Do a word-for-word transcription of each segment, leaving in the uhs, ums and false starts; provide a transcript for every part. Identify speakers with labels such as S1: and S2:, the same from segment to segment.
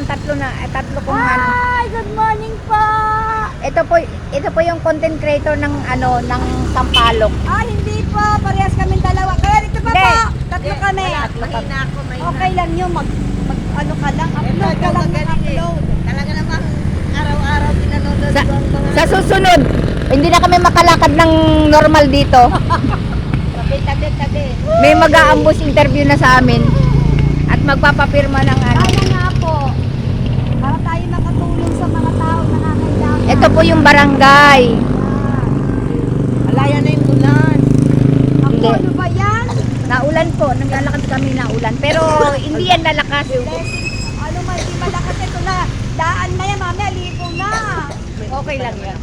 S1: tatlo na, eh, tatlo kong ano.
S2: Hi! Good morning po!
S1: Ito po, ito po yung content creator ng ano, ng Sampaloc.
S2: Ah, hindi po. Parehas kaming dalawa. Kaya dito pa
S1: Hindi.
S2: po. Tatlo kami.
S3: Mahina ako, mahina.
S2: Okay lang yun. Mag, mag ano ka lang. Upload ka lang ng upload.
S3: Talaga namang araw-araw pinanonood
S1: Sa,
S3: ko ang mga...
S1: sa susunod, hindi na kami makalakad ng normal dito.
S3: Tabi, tabi, tabi.
S1: May mag-aambus interview na sa amin. At magpapapirma ng ano.
S2: Kaya nga po. Para tayo makatulong sa mga tao na nangangailangan.
S1: Ito po yung barangay.
S3: Alaya na yung ulan.
S2: Ako,
S1: Hindi.
S2: ano ba yan?
S1: Naulan po, naglalakad kami naulan. Pero hindi yan lalakas.
S2: Blessing. Ano man, di malakas ito na. Daan na yan, mami. Aligo na.
S1: Okay lang yan.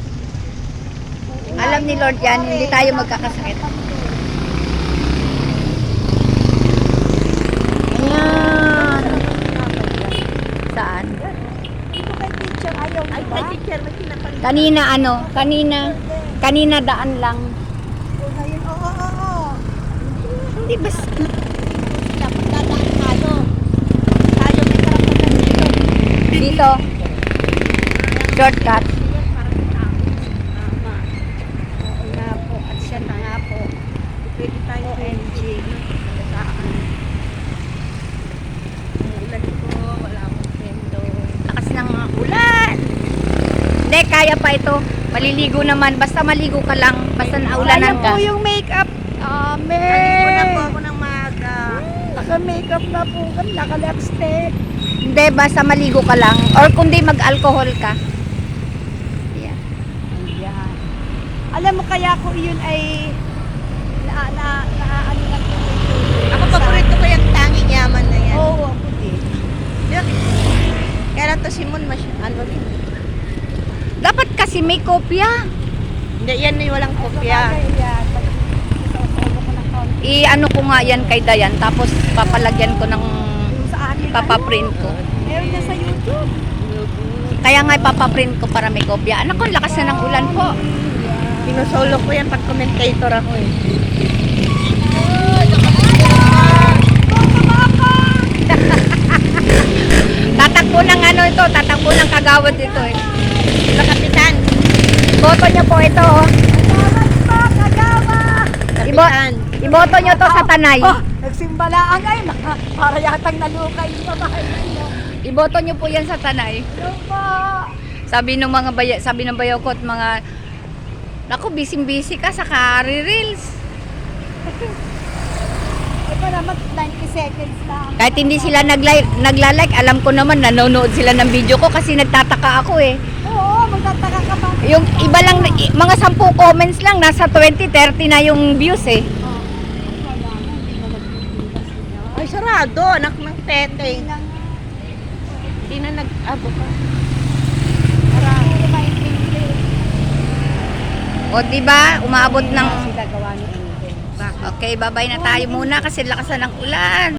S1: Alam ni Lord yan, hindi tayo magkakasakit. Ayan. Saan?
S2: Dito kay teacher. Ayaw
S3: Ay,
S2: di ba?
S3: kay teacher, may kinapalit.
S1: Kanina ano, kanina, kanina daan lang.
S2: Oo, ngayon. Oo, oo, oo.
S1: Hindi bas,
S3: Dapat dadaan tayo. Tayo may karapatan dito.
S1: dito. Shortcut.
S3: Tama. Oo nga po. At siya na nga po. Pwede tayo O M G. Saan? Ang ulan ko, wala akong pendo.
S1: Lakas ng ulan. Hindi, kaya pa ito. Maliligo naman. Basta maligo ka lang. Basta naulanan
S2: Ayan
S1: ka.
S2: po yung makeup. Ame.
S3: Naligo na po ako ng maaga.
S2: Naka-makeup na po kami. Naka-lipstick.
S1: Hindi, basta maligo ka lang. Or kundi mag-alcohol ka. Yeah.
S2: Ayan. Alam mo kaya ko yun ay na na na ano na po.
S3: Ako paborito ko yung tanging yaman na yan.
S2: Oo, ako din.
S3: Kaya lang to si Mon, masy- ano rin.
S1: Dapat kasi may kopya.
S3: Hindi, yan ay walang kopya.
S2: Sabagay yan. Isusubo ko ng konti.
S1: I-ano ko nga yan kay Dayan. Tapos papalagyan ko ng
S2: Yung sa akin.
S1: papaprint ko.
S2: Ano, meron na sa YouTube.
S1: Kaya nga ipapaprint ko para may kopya. Anak ko, ang lakas na ng ulan po.
S3: Sinusolo ko yan pag commentator ako eh.
S1: Tatakbo ng ano ito, tatakbo ng kagawad ito eh.
S3: Sa kapitan.
S1: Boto nyo po ito. oh.
S2: Kagawad po, kagawa.
S1: Ibo
S3: Kapitan.
S1: iboto nyo to sa Tanay.
S2: Oh, nagsimbalaan ay naka- para yatang nalukay yung babae ninyo.
S1: Iboto nyo po yan sa Tanay.
S2: Hello po.
S1: Sabi ng mga baya, sabi ng bayaw ko at mga naku, busy-busy ka sa reels.
S2: Ito naman ninety seconds lang.
S1: Kahit hindi sila nag-like, nagla-like, alam ko naman nanonood sila ng video ko kasi nagtataka ako eh.
S2: Oo, magtataka ka pa.
S1: Yung iba lang, i- mga sampu comments lang, nasa twenty, thirty na yung views eh.
S2: Oh, wala na, hindi na nagbibigas niya.
S3: Ay, sarado. Anak ng tete.
S2: Hindi na nga.
S3: Hindi na nag-abo ka.
S2: Puro maintindihan.
S1: O di ba, umaabot ng
S2: Sila gawa ni Angel.
S1: okay, bye-bye na tayo muna kasi lakas na ng ulan.